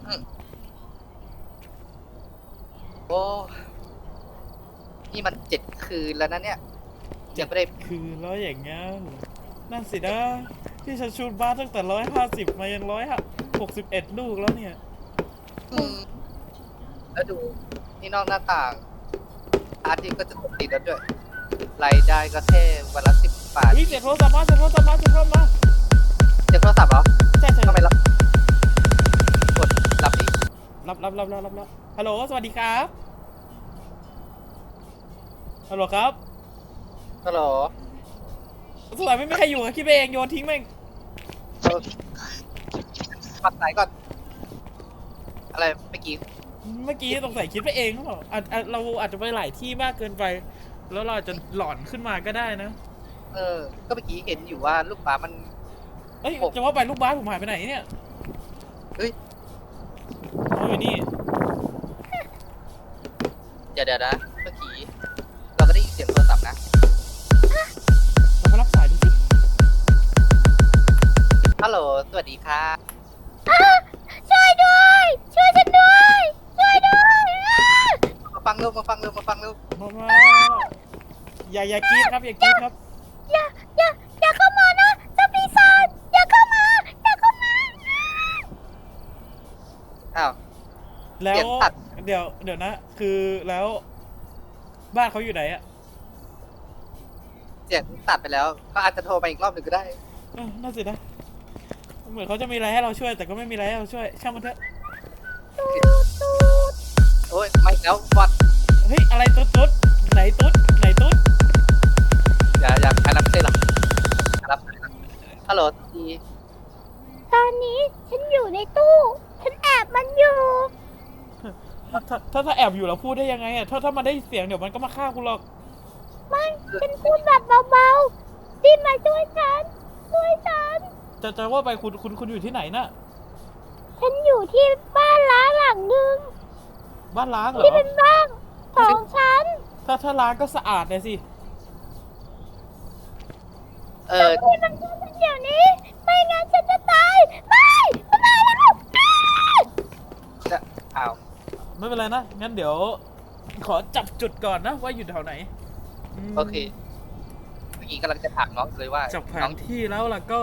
อืมโอ้นี่มัน7 คืนแล้วนะเนี่ยยังไม่ได้คือร้อยอย่างงั้นนั่นสินะที่ฉันชูดบ้านตั้งแต่150มายัง161ลูกแล้วเนี่ยอืมแล้วดูนี่นอกหน้าต่างอาร์ตก็จะตกติดแล้วด้วยรายได้ก็แค่วันละ10 บาทเสียงโทรศัพท์มาเสียงโทรศัพท์มาเสียงโทรศัพท์มาเจ็บโทรศัพท์เหรอใช่ใช่ทำไมรับกดรับดิรับฮัลโหลสวัสดีครับฮัลโหลครับฮัลโหลสงสัยไม่มีใครอยู่คิดไปเองโยนทิ้งแม่งปัดสายก่อนอะไรเมื่อกี้สงสัยคิดไปเองหรือเปล่าเราอาจจะไปหลายที่มากเกินไปแล้วเราอาจจะหลอนขึ้นมาก็ได้นะก็เมื่อกี้เห็นอยู่ว่าลูกหมามันเอ้ยจะว่าไปลูกบ้านผมหายไปไหนเนี่ยเฮ้ยเขาอยู่นี่เดี๋ยวนะเมื่อกี้เราก็ได้ยินเสียงโทรศัพท์นะเรามารับสายดูสิฮัลโหลสวัสดีค่ะช่วยด้วยช่วยฉันด้วยช่วยด้วยมาฟังเร็วมาฟังเร็วมาฟังเร็วมาอย่ากรี๊ดครับอย่ากรี๊ดครับอย่าอย่าเข้ามานะเจ้าปีศาจอย่าเข้ามาอย่าเข้ามาอ้าวแล้วเสียงตัดเดี๋ยวนะคือแล้วบ้านเขาอยู่ไหนอะเสียงตัดไปแล้วเขาอาจจะโทรไปอีกรอบหนึ่งก็ได้น่าสินะเหมือนเขาจะมีอะไรให้เราช่วยแต่ก็ไม่มีอะไรให้เราช่วยช่างมันเถอะโอ้ยไม่แล้วบอดเฮ้ยอะไรตุ๊ดไหนตุ๊ดอย่าอันนั้นไม่ใช่หรอกรับฮัลโหลทีตอนนี้ฉันอยู่ในตู้ฉันแอบมันอยู่ถ้าแอบอยู่เราพูดได้ยังไงอะถ้ามันได้เสียงเดี๋ยวมันก็มาฆ่าคุณหรอกไม่ฉันพูดแบบเบาๆรีบมาช่วยฉันจะว่าไปคุณอยู่ที่ไหนน่ะฉันอยู่ที่บ้านล้างหลังนึงบ้านล้างเหรอที่เป็นบ้านของฉันถ้าล้างก็สะอาดเลยสิช่วยมันช่วยฉันเดี๋ยวนี้ไม่งั้นฉันจะตายไม่แล้วจะอ้าวไม่เป็นไรนะงั้นเดี๋ยวขอจับจุดก่อนนะว่าอยู่แถวไหนโอเคเมื่อกี้กำลังจะถามน้องเลยว่าจับแผน้อน งที่แล้วล่ะก็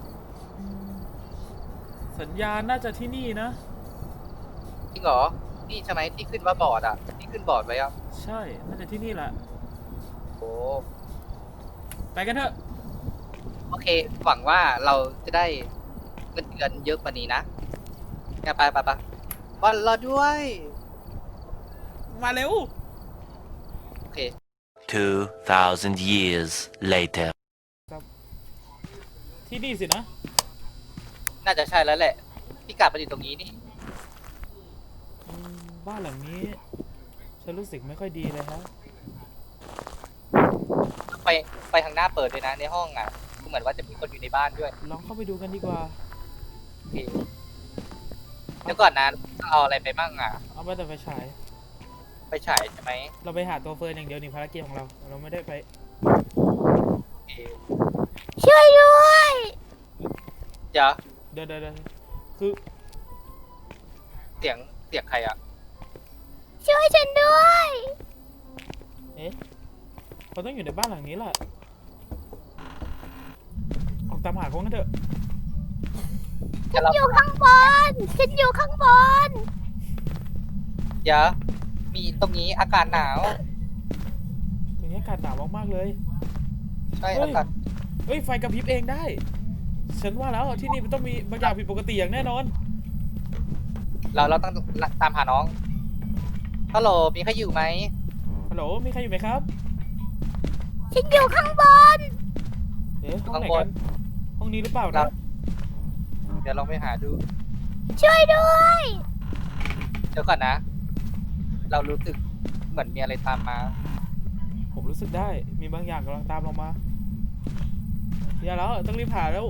สัญญาณน่าจะที่นี่นะจริงเหรอนี่ใช่ไหมที่ขึ้นว่าบอร์ดอ่ะที่ขึ้นบอร์ดไว้อ่ะใช่น่าจะที่นี่แหละโอ้ไปกันเถอะโอเคหวังว่าเราจะได้เงินเดือนเยอะกว่านี้นะงั้นไปบอลรอด้วยมาเร็วโอเค 2,000 years later ที่นี่สินะน่าจะใช่แล้วแหละพิกัดมันอยู่ตรงนี้นี่บ้านหลังนี้ฉันรู้สึกไม่ค่อยดีเลยฮะไปทางหน้าเปิดเลยนะในห้องอ่ะเหมือนว่าจะมีคนอยู่ในบ้านด้วยลองเข้าไปดูกันดีกว่าโอเคเดี๋ยวก่อนนะเอาอะไรไปมั่งอ่ะเอาไปแต่ไฟฉายไปฉายใช่ไหมเราไปหาตัวเฟิร์นอย่างเดียวนี่ภารกิจของเราไม่ได้ไปโอเคช่วยด้วยเดี๋ยวคือเสียงใครอ่ะช่วยฉันด้วยเขาต้องอยู่ในบ้านหลังนี้แหละออกตามหาเขากันเถอะฉันอยู่ข้างบนเดี๋ยวมีตรงนี้อากาศหนาวตรงนี้อากาศหนาวมากๆเลยใช่อากาศเฮ้ยไฟกระพริบเองได้ฉันว่าแล้วที่นี่มันต้องมีบางอย่างผิดปกติอย่างแน่นอนเราต้องตามหาน้องฮัลโหลมีใครอยู่ไหมฮัลโหลมีใครอยู่ไหมครับฉันอยู่ข้างบนห้องไหนกันห้องนี้หรือเปล่านะเดี๋ยวลองไปหาดูช่วยด้วยเดี๋ยวก่อนนะเรารู้สึกเหมือนมีอะไรตามมาผมรู้สึกได้มีบางอย่างกำลังตามเรามาอย่าแล้วต้องรีบหาแล้ว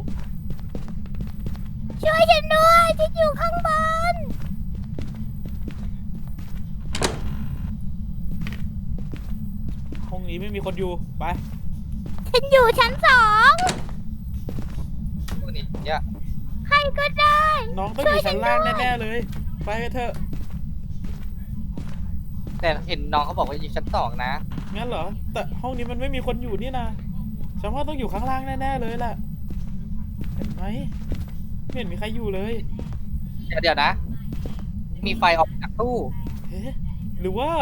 ช่วยฉันด้วยฉันอยู่ข้างบนห้องนี้ไม่มีคนอยู่ไปฉันอยู่ชั้น2 พวกนี้เนี่ยใครก็ได้น้องต้องอยู่ชั้นล่างแน่ๆเลยไปกันเถอะแต่เห็นน้องเขาบอกว่าอยู่ชั้น2นะงั้นเหรอแต่ห้องนี้มันไม่มีคนอยู่นี่นะฉันว่าต้องอยู่ข้างล่างแน่ๆเลยแหละเห็นไหมไม่เห็นมีใครอยู่เลยเดี๋ยวนะ มีไฟออกจากตู้เฮ้หรือว่า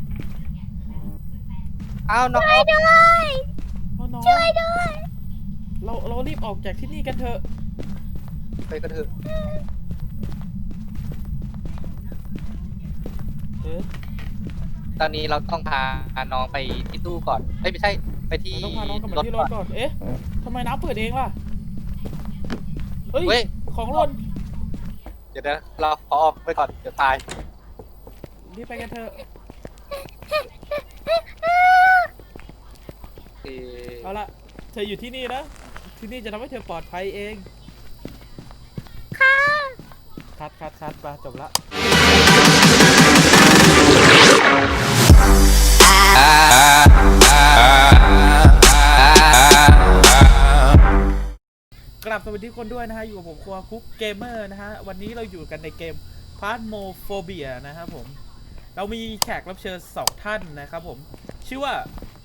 อ้าวน้องช่วยด้วยน้องช่วยด้วยเรารีบออกจากที่นี่กันเถอะไปกันเถอะเฮ้ตอนนี้เราต้องพาน้องไปที่ตู้ก่อนเอ้ยไม่ใช่ไปที่เราต้องพาน้องกลับรมาถที่รก่อถนก่อนเอ๊ะทำไมน้ำเปิดเองล่ะเฮ้ยเว้ยของหล่นเดี๋ยวนะเราขอออกไปก่อนเดี๋ยวตายรีบไปกันเถอะเอ่อเอาละเธออยู่ที่นี่นะที่นี่จะทำให้เธอปลอดภัยเองค่ะคัดไปจบละกลับสวัสดีทุกคนด้วยนะฮะอยู่กับผมครัวคุกเกมเมอร์นะฮะวันนี้เราอยู่กันในเกม Phasmophobia นะครับผมเรามีแขกรับเชิญ2ท่านนะครับผมชื่อว่า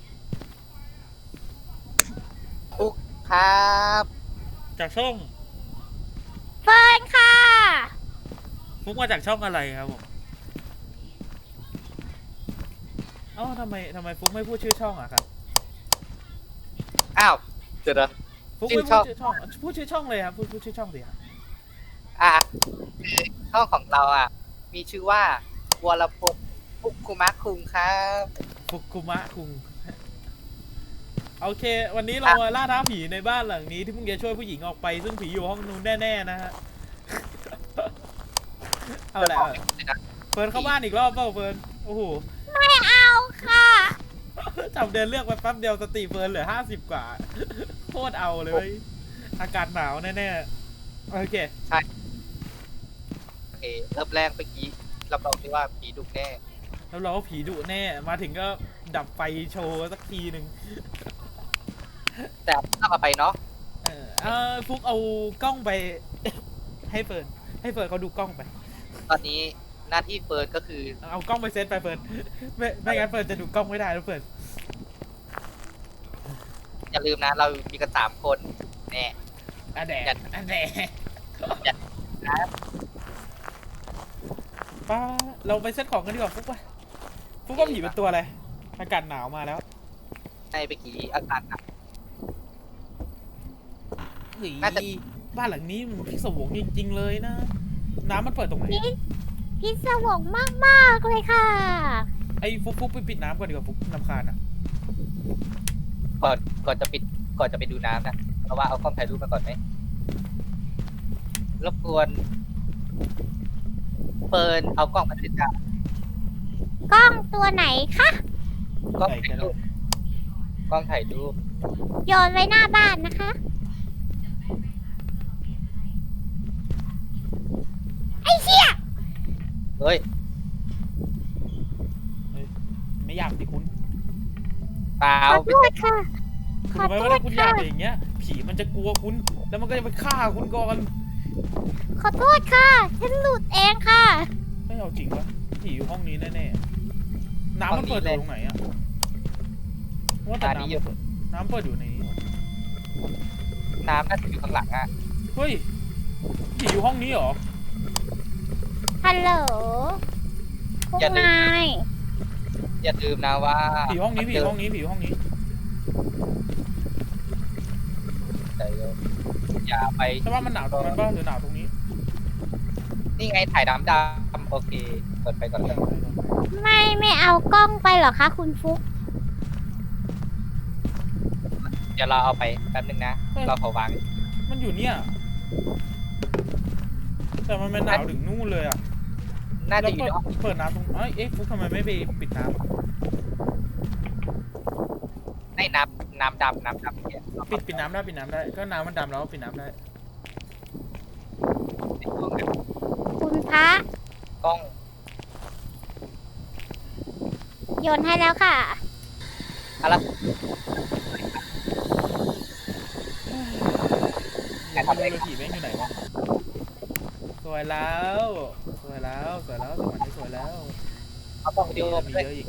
ฟุกครับจากช่องเฟิร์นค่ะฟุกมาจากช่องอะไรครับผมเอ้าทำไมฟุกไม่พูดชื่อช่องอะครับอ้าวเดี๋ยวนะฟุกชื่ไม่อพูช่ดองชื่อช่องพูดชื่อช่องเลยครับพูดชื่อช่องสิครับอ่ะช่องของเราอ่ะ มีชื่อว่าวรพงศ์ฟุกคุมะคุงครับฟุกุมะคุง โอเค วันนี้เรามาล่าท้าผีในบ้านหลังนี้ที่เพิ่งจะช่วยผู้หญิงออกไปซึ่งผีอยู่ห้องนู้นแน่ๆนะฮะ เอาแหละเฟิร์นเข้าบ้านอีกรอบเปล่าเฟิร์นโอ้โหไม่เอาค่ะจำเดินเลือกไปแป๊บเดียวสติเฟิร์นเหลือ50กว่าโคตรเอาเลย อากาศหนาวแน่ๆโอเคโอเคเริ่มแรกเมื่อกี้รับรองได้ว่าผีดุแน่แล้วเราก็ผีดุแน่มาถึงก็ดับไฟโชว์สักทีหนึ่งแต่ต้องเอาไปเนาะฟุกเอากล้องไป ให้เฟิร์นเขาดูกล้องไปตอนนี้หน้าที่เฟิร์นก็คือเอากล้องไปเซตไปเฟิร์นไม่งั้นเฟิร์นจะดูกล้องไม่ได้แล้วเฟิร์นอย่าลืมนะ เรามีกัน3 คนแน่อันแดดอันแดดครับป้าเราไปเซตของกันดีกว่าฟุกไปฟุกว่าผีเป็นตัวอะไรอากาศหนาวมาแล้วในเมื่อกี้อากาศหนักเฮ้ยน่าจะบ้านหลังนี้มันพิศวงจริงๆเลยนะ น้ำมันเปิดตรงไหนพิศวงมากๆเลยค่ะไอ้ฟุกไปปิดน้ำก่อนดีกว่าฟุกนำคาญอ่ะก่อนจะไปดูน้ำนะเพราะว่าเอากล้องถ่ายรูปมาก่อนไหมรบกวนเฟิร์นเอากล้องมาด้วยจ้ะกล้องตัวไหนคะกล้องถ่ายรูปกล้องถ่ายรูปโยนไว้หน้าบ้านนะคะ ไอ้เหี้ยเฮ้ยไม่อยากสิคุณเปล่าขอโทษค่ะ ขคุณอรู้ไหมโทว่าษถ้าคุณอยาค่ะกอย่างเงี้ย ผีมันจะกลัวคุณ แล้วมันก็จะไปฆ่าคุณก่อนขอโทษค่ะ ฉันหลุดเองค่ะไม่เอาจริงวะผีอยู่ห้องนี้แน่ๆน้ำมันเปิดอยู่ตรงไหนอะว่าแต่น้ำเปิดอยู่ในนี้น้ำน่าจะอยู่ข้างหลังอ่ะเฮ้ยผีอยู่ห้องนี้เหรอฮัลโหลพวกนายอย่าลืมนะว่าผีห้องนี้ผีห้องนี้ผีห้องนี้อย่าไปแต่ว่ามันหนาวตรงนั้นบ้างหรือหนาวตรงนี้นี่ไงถ่ายน้ำดำโอเคเปิดไปก่อนเลยไม่เอากล้องไปเหรอคะคุณฟุกเดี๋ยวเราเอาไปแป๊บนึงนะ เราขอวางมันอยู่เนี่ย แต่มันหนาวถึงนู่นเลยอะน่าแล้จะวอยู่ในห้องเปิดน้ำตรงเอ๊ะฟุกทำไมไม่ไปปิดน้ำอะในน้ำดำเนี่ยปิดน้ำได้ก็น้ำมันดำแล้วปิดน้ำได้คุณพระกล้องโยนให้แล้วค่ะอะไรอย่าทำอะไรผีแม่งอยู่ไหนวะสวยแล้วสวยแล้วสวรรค์นี่สวยแล้วเอากล้องวิดีโอมีไปเยอะอีก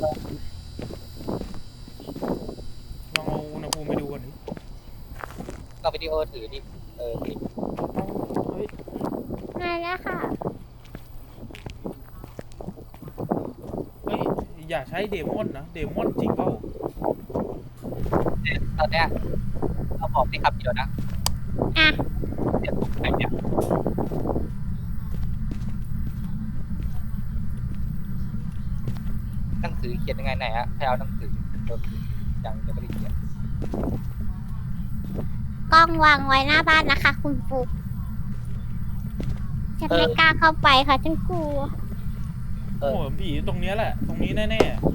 ลองเอาอุณหภูมิไปดูก่อนดิกล้องวิดีโอถือดิถือเฮ้ยมาแล้วค่ะเฮ้ยอย่าใช้เดมอนนะเดมอนจริงเปล่าตอนเนี้ยเราบอกที่คำเดียวนะอ่ะเดี๋ยวผมไปเนี่ยหนังสือเขียนยังไงไหนอะให้เอาหนังสือยังไม่ได้เขียนกล้องวางไว้หน้าบ้านนะคะ คุณฟุกฉันไม่กล้าเข้าไปค่ะฉันกลัวโอ้โหผีตรงเนี้ยแหละ ตรงนี้แน่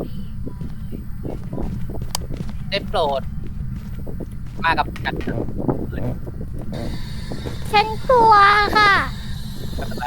ได้โปรด มากับกันเถอะฉันกลัวค่ะไม่เป็นไร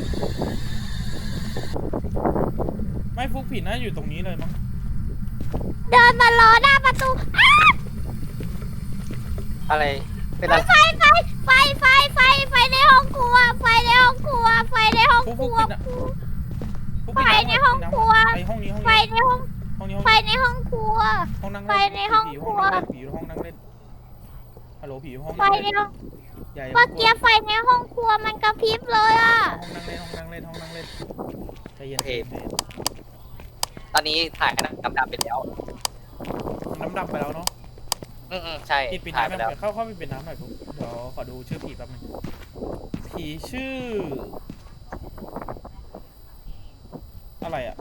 ๆไม่ฟุกผีน่าอยู่ตรงนี้เลยมั้งเดินมาล้อหน้าประตูอ้าวอะไรเป็นอะไรไฟในห้องครัว ไฟในห้องครัว ไฟในห้องฟุกคฟุรักวปิดนะฟุกไฟปิดในห้องครัวไอห้องนี้ห้องไฟนี้ในห้องห้องนี้ไฟในห้องครัวห้องนั่งไฟเล่นในห้องผีครัวห้องนั่งเล่นฮัลโหลผีห้องไฟนั่งในเล่นห้องอย่าเมื่อกี้ไฟในห้องครัวมันกระพริบเลยอ่ะห้องนั่งเล่นห้องนั่งเล่นห้องนั่งเล่นใจเย็นใจเย็นตอนนี้ถ่ายน้ำดำไปแล้วน้ำดำไปแล้วเนาะใช่ปิดถ่ายน้ำไปแล้วเข้าไปปิดน้ำหน่อยปุ๊บเดี๋ยวขอดูชื่อผีแป๊บนึงผีชื่อ อะไรอ่ะ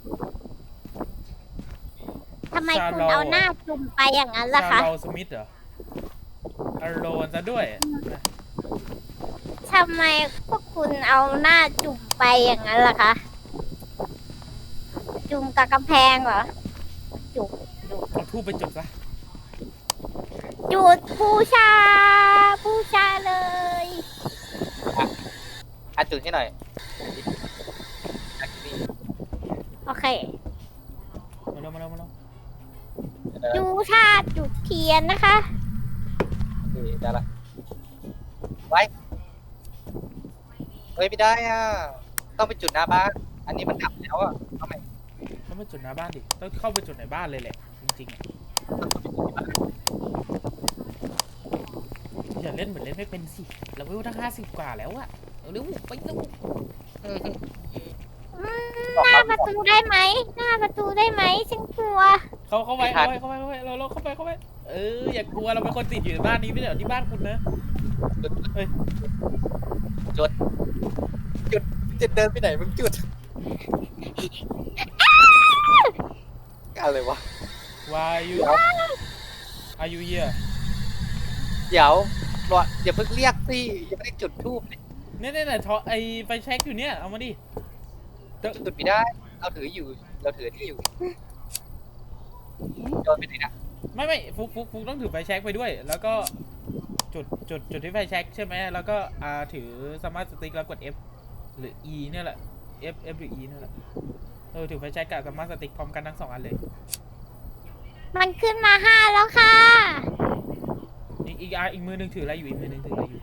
ทำไมคุณเอาหน้าจุ่มไปอย่างนั้นล่ะคะชาลสมิธเหรออารโลนซะด้วยทำไมพวกคุณเอาหน้าจุ่มไปอย่างนั้นล่ะคะ จุ่มกับกำแพงเหรอ จุ่มเอาทูบไปจุดซะจุดบูชาเลยจุดให้หน่อยอ่ะนี่โอเคมาแล้วเดี๋ยวดูชาจุดเทียนนะคะโอเคได้ละไว้เฮ้ยไม่ได้อ่ะต้องไปจุดหน้าบ้านอันนี้มันดับแล้วอ่ะทำไมต้องไปจุดหน้าบ้านดิต้องเข้าไปจุดในบ้านเลยแหละจริงๆอะอย่าเล่นเหมือนเล่นไม่เป็นสิเราเวลตั้ง50 กว่าแล้วอะเอาเร็วไปเร็วหน้าประตูได้ไหม หน้าประตูได้ไหมฉันกลัวเข้าไปเราเข้าไปอย่ากลัวเราเป็นคนติดอยู่ในบ้านนี้ไม่ใช่เหรอที่บ้านคุณนะ เฮ้ยจุดเดินไปไหนมึงจุดอะไรวะ Why you Are you here เดี๋ยวรออย่าเพิ่งเรียกสิยังไม่ได้จุดทูบเลยเนี่ยทอไอไฟแช็กอยู่เนี่ยเอามาดิจุดไม่ได้เราถืออยู่เราถือที่อยู่โยนไปไหนนะไม่ฟุกต้องถือไฟแช็กไปด้วย แล้วก็จุดที่ไฟแช็กใช่ไหมแล้วก็ถือสมาร์ทสติ๊กแล้วกด F หรือ E เนี่ยแหละ F หรือ E เนี่ยแหละถือไฟแช็กกับสมาร์ทสติ๊กพร้อมกันทั้ง2 อันเลยมันขึ้นมา5แล้วค่ะอีกมือหนึ่งถืออะไรอยู่อีกมือหนึ่งถืออะไรอยู่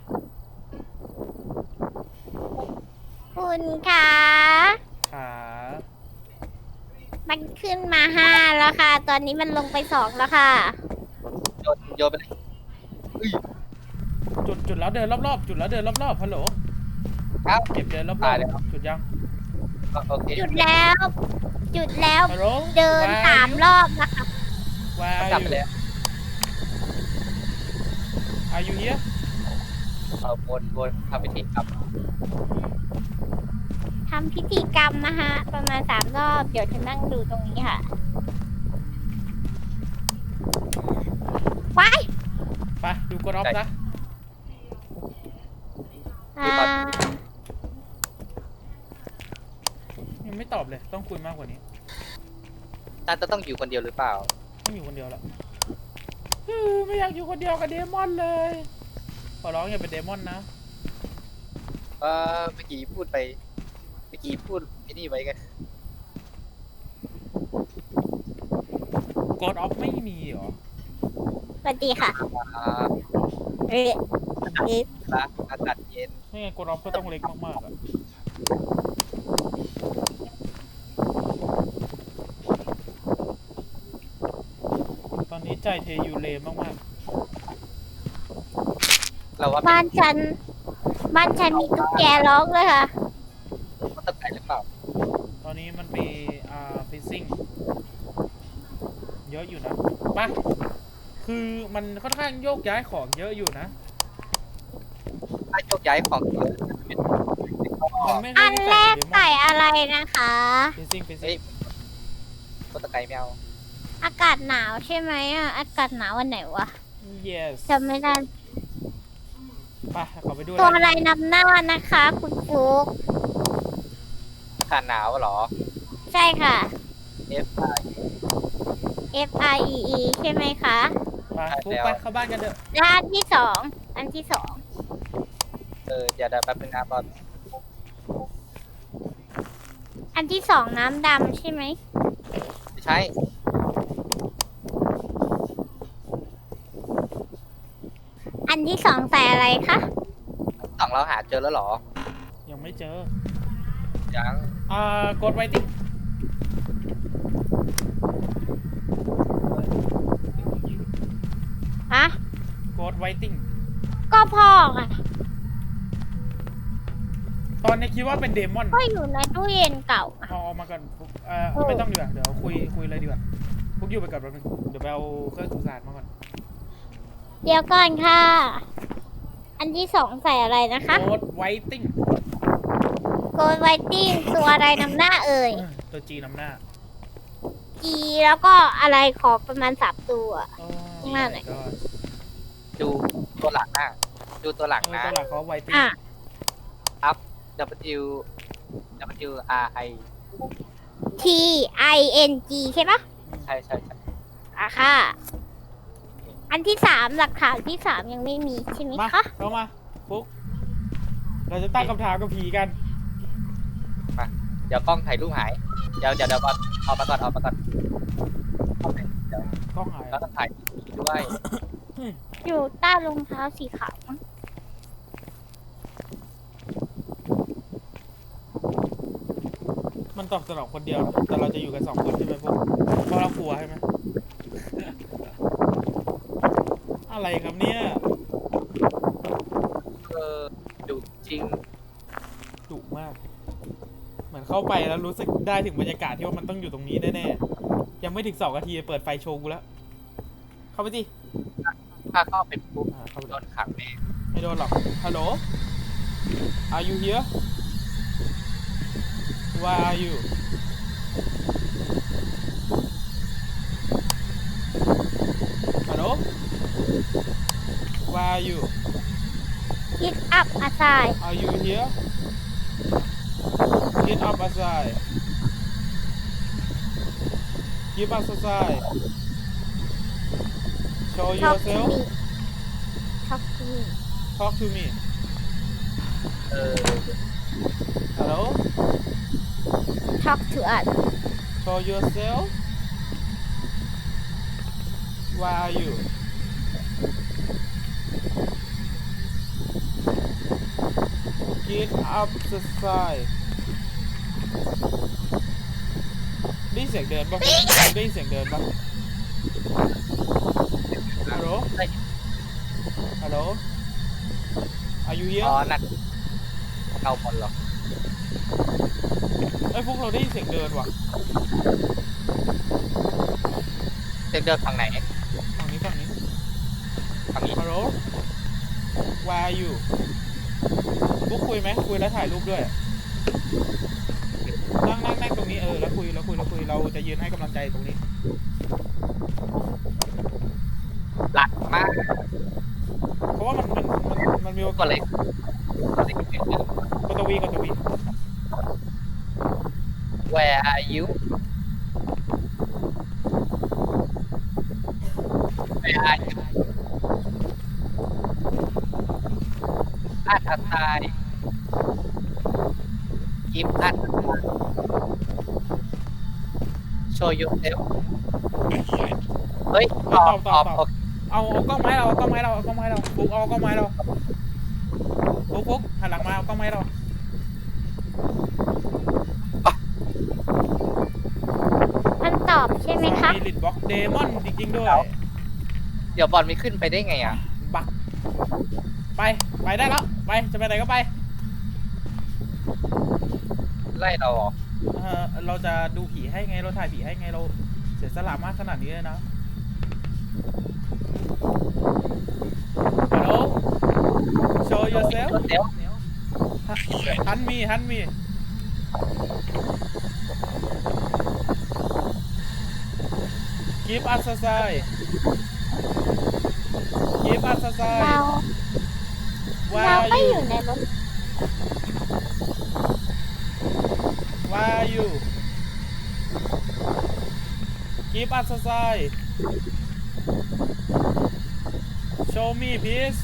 คุณคะขามันขึ้นมา5แล้วค่ะ ตอนนี้มันลงไป2แล้วค่ะโยนไปเลยจุดแล้วเดินรอบๆจุดแล้วเดินรอบๆฮัลโหลเอ้าเก็บเดินรอบตายแล้วๆจุดยังโอเคจุดแล้วฮัลโหลเดิน3 รอบนะคะ Where กลับ are ไป you แล้ว Are you here วนทำพิธีครับทำพิธีกรรมนะคะประมาณ3 รอบ เดี๋ยวฉันนั่งดูตรงนี้ค่ะไปไปดูกดออฟซะอ่ายังไม่ตอบเลยต้องคุยมากกว่านี้น่าจะต้องอยู่คนเดียวหรือเปล่าไม่อยู่คนเดียวละไม่อยากอยู่คนเดียวกับเดมอนเลย ขอร้องอย่าเป็นเดมอนนะเมื่อกี้พูดไอ้นี่ไว้กันกดออฟไม่มีเหรอสวัสดีค่ะอ่าเอ๊ะอากาศเย็นไม่งั้นกดออฟก็ต้องเล็กมากๆอะใจเทยูเลมากเราว่าบ้านฉันมีตุ๊กแกร้องเลยค่ะมันตะไคร้หรือเปล่าๆตอนนี้มันมีฟิซซิ่งเยอะอยู่นะปะคือมันค่อนข้างโยกย้ายของเยอะอยู่นะถ้าโยกย้ายของเยอะจะเป็นมันไม่ค่อัอยนได้แรกเดมอใส่นอะไรนะคะฟิซซิ่งเฮ้ยก็ตะไคร้ไม่เอาอากาศหนาวใช่ไหมอ่ะ อากาศหนาววันไหนวะ yes จำไม่ได้ไปขอไปดูตัวอะไรนำหน้านะคะคุณฟุกอากาศหนาวเหรอใช่ค่ะ F I F I E E ใช่ไหมคะไปฟุกไปเข้าบ้านกันเถอะและอันที่สองเดี๋ยวแป๊บนึงนะบอลอันที่สองน้ำดำใช่ไหมไม่ใช่อันที่สองใส่อะไรคะสองเราหาเจอแล้วเหรอยังไม่เจอยังกดไวติ้งฮะกดไวติ้งก็พ่อไงตอนนี้คิดว่าเป็นเดมอนก็อยู่ในตู้เย็นเก่าอะเอามาก่อนฟุกไม่ต้องดีกว่าเดี๋ยวคุยเลยดีกว่าฟุกอยู่ไปก่อนแป๊บนึงเดี๋ยวไปเอาเครื่องสื่อสารมาก่อนเดี๋ยวก่อนค่ะ อันที่สองใส่อะไรนะคะกดไวติ้งโกลไวติ้งตัวอะไรนำหน้าเอ่ยตัวจีนำหน้า G แล้วก็อะไรขอประมาณ3ตัวโอ้หน้าไหนก็ดูตัวหลังนะดูตัวหลังนะตัวหลักเขาไวติ้งอ่ะ W W R I T I N G ใช่ปะใช่ใช่ใช่อ่ะค่ะ อันที่สามหลักฐานที่สามยังไม่มีใช่ไหมมาคะเข้ามาฟุกเราจะตั้งคำถามกับผีกันเดี๋ยวกล้องถ่ายรูปหาย เดี๋ยวบอลออกมาก่อนเดี๋ยวกล้องหายเราต้องถ่ายด้วยอยู่ใต้รองเท้าสีขาวมั้งมันตอบสนองคนเดียว แต่เราจะอยู่กัน2 คนใช่ไหมพวกเพราะเรากลัวใช่ไหม อะไรครับเนี่ยดูจริงดุมาก เหมือนเข้าไปแล้วรู้สึกได้ถึงบรรยากาศที่ว่ามันต้องอยู่ตรงนี้แน่ๆยังไม่ถึง2 นาทีเปิดไฟโชว์กูแล้ว เข้าไปสิถ้าเข้าไปปุ๊บเข้าไปโดนขังแน่ไม่โดนหรอก ฮัลโหล Are you here Where are you Hello Where are you คิดอัพอาซาย Are you here Get up aside Give us a sign Show talk to yourself me talk to me Talk to me เออ Hello talk to us Show yourself Where are you Get up the side ได้ยินเสียงเดินปะได้ยินเสียงเดินปะฮัลโหลได้ฮัลโหล Are you here อ๋อนั่นเงาบอลเหรอเอ้ยพวกเราได้ยินเสียงเดินว่ะเดินฝั่งไหนฝั่งนี้ฝั่งนี้ฮัลโหล Where are you พวกคุยไหมคุยแล้วถ่ายรูปด้วย นั่งตรงนี้แล้วคุยเราจะยืนให้กำลังใจตรงนี้หลักมากเพราะว่ามันมีโอกาก็สเลยกดตัววี Where are you Where are you อัดอัดตายกิฟอัดโชว์ยูเซลเฮ้ยตอบโอเคเอากล้องไม้เราฟุกเอากล้องไม้เราฟุกหันหลังมาเอากล้องไม้เรามันตอบใช่ไหมคะมีลิดบ็อกเดมอนจริงๆด้วยเดี๋ยวบอลไม่ขึ้นไปได้ไงอ่ะบักไปได้แล้วไปจะไปไหนก็ไปไล่เราเหรอเราจะดูผีให้ไงเราถ่ายผีให้ไงเราเสียสละมากขนาดนี้เลยนะฮัลโหล show yourself เดี๋ยวหันมีgive us a sign give us a sign เรา where เรา are ก็ you อยู่ในรถ where are you give us a sign show me please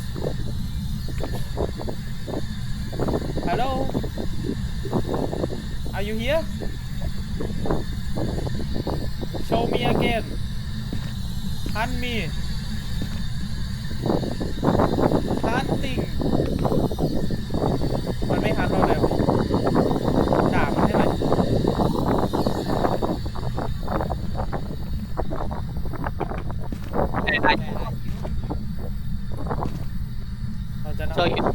hello are you here show me again hunt me hunting มันไม่หันเราแล้วด่ามันใช่ไหมเราจะโชว์อยู่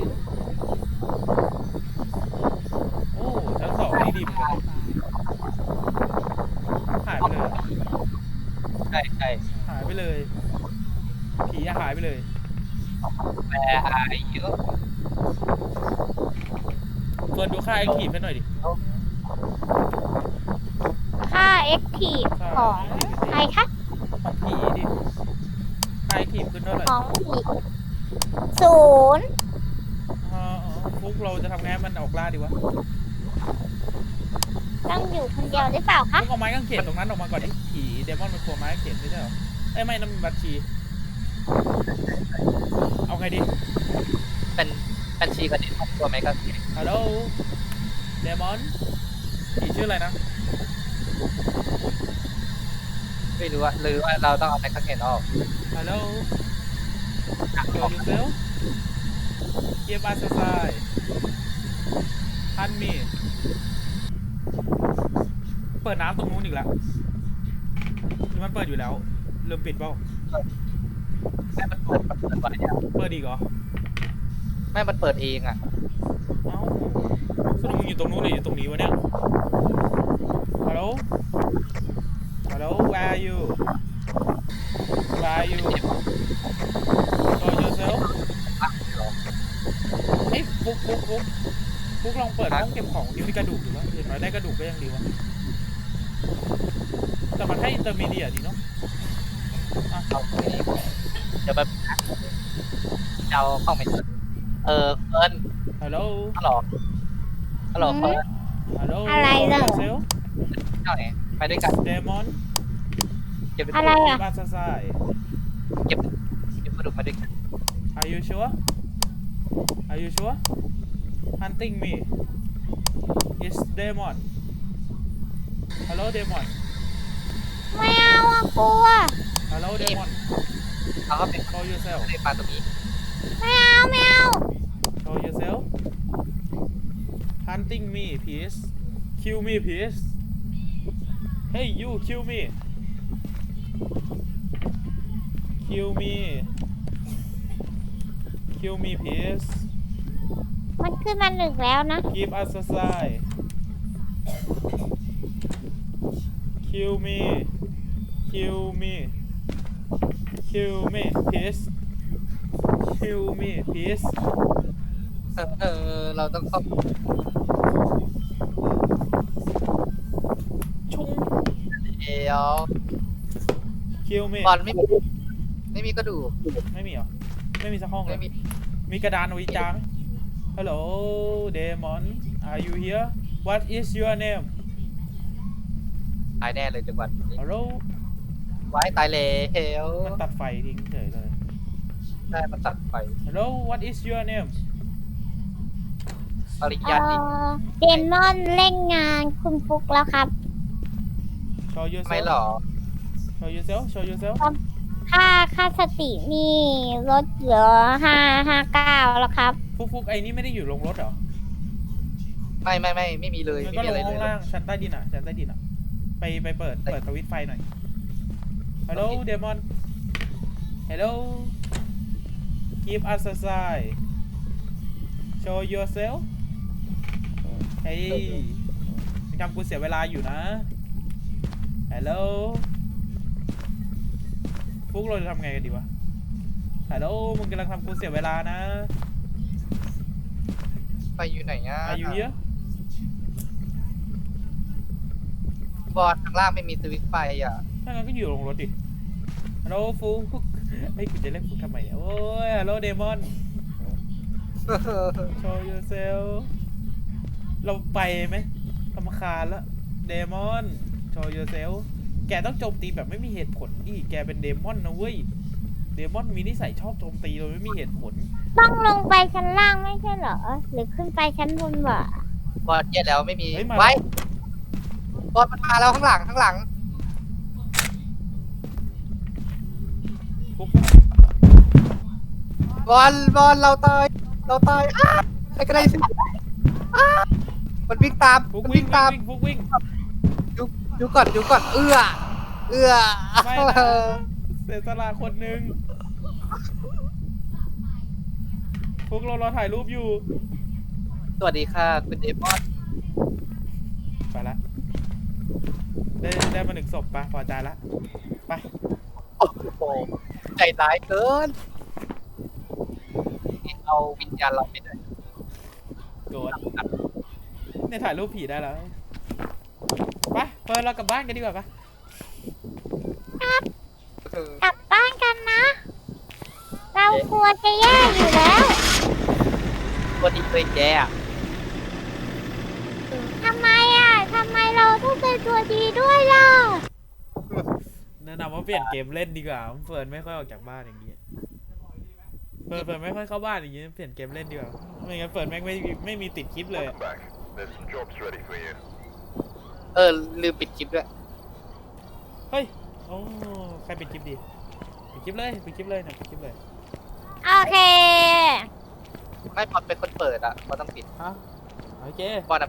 โอ้ชั้นสองนี่ดีเหมือนกันหายไปเลยอะใช่หายไปเลย ผีอะหายไปเลยแปลอายุเฟิร์นดูค่าแอคทีฟให้หน่อยดิค่าเอ็กทีฟของใครคะของผีดิค่าแอคทีฟขึ้นเท่าไหร่ของผีศูนย์ฟุกเราจะทำไงให้มันออกล่าดีวะต้องอยู่คนเดียวหรือเปล่าคะฟุกเอาไม้กางเขนตรงนั้นออกมาก่อนดิผีเดมอนมันกลัวไม้กางเขนไม่ใช่เหรอเอ้ยไม่นั่นมันบัญชี เอาไงดีเป็นบัญชีกับเด็กครอบครัวไหมครับฮัลโหลเดมอนผีชื่ออะไรนะไม่รู้ว่าหรือว่าเราต้องเอาไปข้างเห็นออกฮัลโหล show yourself give us a sign hunt me เปิดน้ำตรงนู้นอีกแล้วหรือมันเปิดอยู่แล้วลืมปิดเปล่าแม่มันเปิดไว้เนี่ยเปิดอีกเหรอแม่มันเปิดเองอ่ะเอ้าสรุปมึงอยู่ตรงนู้นหรืออยู่ตรงนี้วะเนี่ย ฮัลโหล ฮัลโหล where are you where are you show yourself เฮ้ยฟุกลองเปิดห้องเก็บของดิมีกระดูกอยู่วะอย่างน้อยได้กระดูกก็ยังดีวะ แต่มันให้อินเตอร์มีเดียดีเนาะเอาไม่ดีเดี๋ยวแบบเอาเข้าไม่เจอเฟิร์นฮัลโหลฮัลโหลเฟิร์นฮัลโหลอะไรเหรอ yourself เท่าไหร่ไปด้วยกัน Demon เก็บอะไรอ่ะ give us a sign เก็บกระดูกมาด้วยกัน Are you sure Are you sure Hunting me It's Demon Hello Demon ไม่เอาอะกลัว Hello Demon เราก็เป็น Show yourself ในปลาตรงนี้ไม่เอา Show yourself Hunting me please Kill me please Hey you kill me Kill me Kill me please มันขึ้นมาหนึ่งแล้วนะ Give us a sign Kill me Kill me Kill me please Kill me please เราต้องเข้าชุ่งเดี๋ยว Kill me บอลไม่มีกระดูกไม่มีเหรอ ไม่มีสักห้องเลไม่ยมีมีกระดานเอาไว้จาไหม Hello Demon Are you here What is your name ตายแน่เลยจังหวัดนี้ Hello ไว้ตายเลยเฮลมันตัดไฟทิ้งเฉยเลยได้มันตัดไฟ Hello What is your name ปริญญาดีเดมอนเล่นงานคุณฟุกแล้วครับ Show ไม่หร yourself อ Show yourself Show yourself ค่าสตินี่ลดเหลือ559แล้วครับฟุกไอ้นี่ไม่ได้อยู่ลงรถเหรอไม่มีเลยมันไม่ก็มีลอะไรงเลห้อย งล่างชั้นใต้ดินอ่ะชั้นใต้ดินอ่ะ ไปเปิดสวิตช์ไฟหน่อย Hello Demon Hello Give us a sign Show yourself เฮ้ยมึงทำกูเสียเวลาอยู่นะ Hello ฟุกเราจะทำไงกันดีวะ Hello มึงกำลังทำกูเสียเวลานะไปอยู่ไหนอ่ะ Are you here บอลข้างล่างไม่มีสวิตช์ไฟอ่ะถ้างั้นก็อยู่ลงรถดิ Hello ฟุกเฮ้ยกูจะเรียกฟุกทำไมเนี่ยโอ้ย Hello Demon Show yourself เราไปไหมรำคาญละ Demon Show yourself แกต้องโจมตีแบบไม่มีเหตุผลดิแกเป็นเดมอนนะเว้ย เดมอนมีนิสัยชอบโจมตีโดยไม่มีเหตุผลต้องลงไปชั้นล่างไม่ใช่เหรอ หรือขึ้นไปชั้นบนวะบอลแย่แล้วไม่มีเฮ้ยมาไว้บอลมันมาแล้วข้างหลังข้างหลังฟุกบอลเราตายอ้าใครก็ได้สิอ้ามันวิ่งตามฟุกมันวิ่งวิ่งตามฟุกวิ่งดูก่อนเอื้อไม่นะเสียสละคนหนึ่งฟุกเรารอถ่ายรูปอยู่สวัสดีค่ะคุณเดมอนไปละได้มา1 ศพไปพอใจละไปโอ้โหใจร้ายเกินเอาวิญญาณเราไปด้วยโกรธเนี่ยถ่ายรูปผีได้แล้วไปเฟิร์นเรากลับบ้านกันดีกว่าปะกลับบ้านกันนะ เรากลัวจะแย่อยู่แล้วตัวนี้เคยแย่อะทำไมทำไมเราต้องเป็นตัวดีด้วยล่ะแนะนำว่าเปลี่ยนเกมเล่นดีกว่าเฟิร์นไม่ค่อยออกจากบ้านอย่างเงี้ยเฟิร์นไม่ค่อยเข้าบ้านอย่างเงี้ยเปลี่ยนเกมเล่นดีกว่าไม่งั้นเฟิร์นแม่งไม่มีติดคลิปเลยอะ Back. There's some jobs ready for you. ลืมปิดคลิปด้วยเฮ้ยโอ้ใครปิดคลิปดีปิดคลิปเลยนะปิดคลิปเลยโอเคไม่บอลเป็นคนเปิดอ่ะบอลต้องปิดฮะโอเคบอล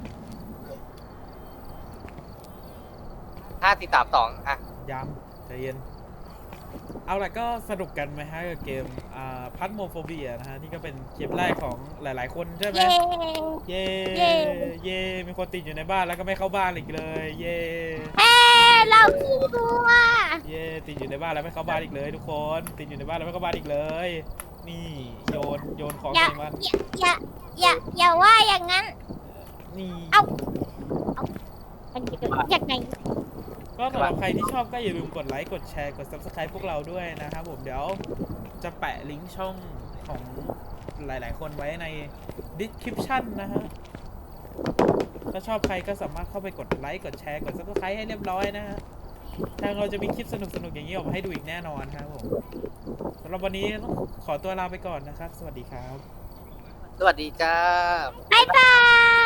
5 4 3 2อ่ะย้ำใจเย็นเอาล่ะก็สนุกกันไหมฮะกับเกมพัทโมโฟเบียนะฮะนี่ก็เป็นเกมแรกของหลายๆคนใช่ไหมเย้เย่เย่เย่มีคนติดอยู่ในบ้านแล้วก็ไม่เข้าบ้านอีกเลย เย่เราขี้กลัวเย่ติดอยู่ในบ้านแล้วไม่เข้าบ้านอีกเลย ทุกคนติดอยู่ในบ้านแล้วไม่เข้าบ้านอีกเลย นี่โยนของอย่าใส่มันอย่าว่าอย่างนั้นนี่เอา มันจะเกิดยังไงก็สำหรับใครที่ชอบก็อย่าลืมกดไลค์กดแชร์กด subscribe พวกเราด้วยนะครับผมเดี๋ยวจะแปะลิงก์ช่องของหลายๆคนไว้ใน description นะฮะถ้าชอบใครก็สามารถเข้าไปกดไลค์กดแชร์กด subscribe ให้เรียบร้อยนะฮะทางเราจะมีคลิปสนุกๆอย่างนี้ออกมาให้ดูอีกแน่นอนครับผมสำหรับวันนี้ต้องขอตัวลาไปก่อนนะครับ สวัสดีครับสวัสดีจ้าบ๊ายบาย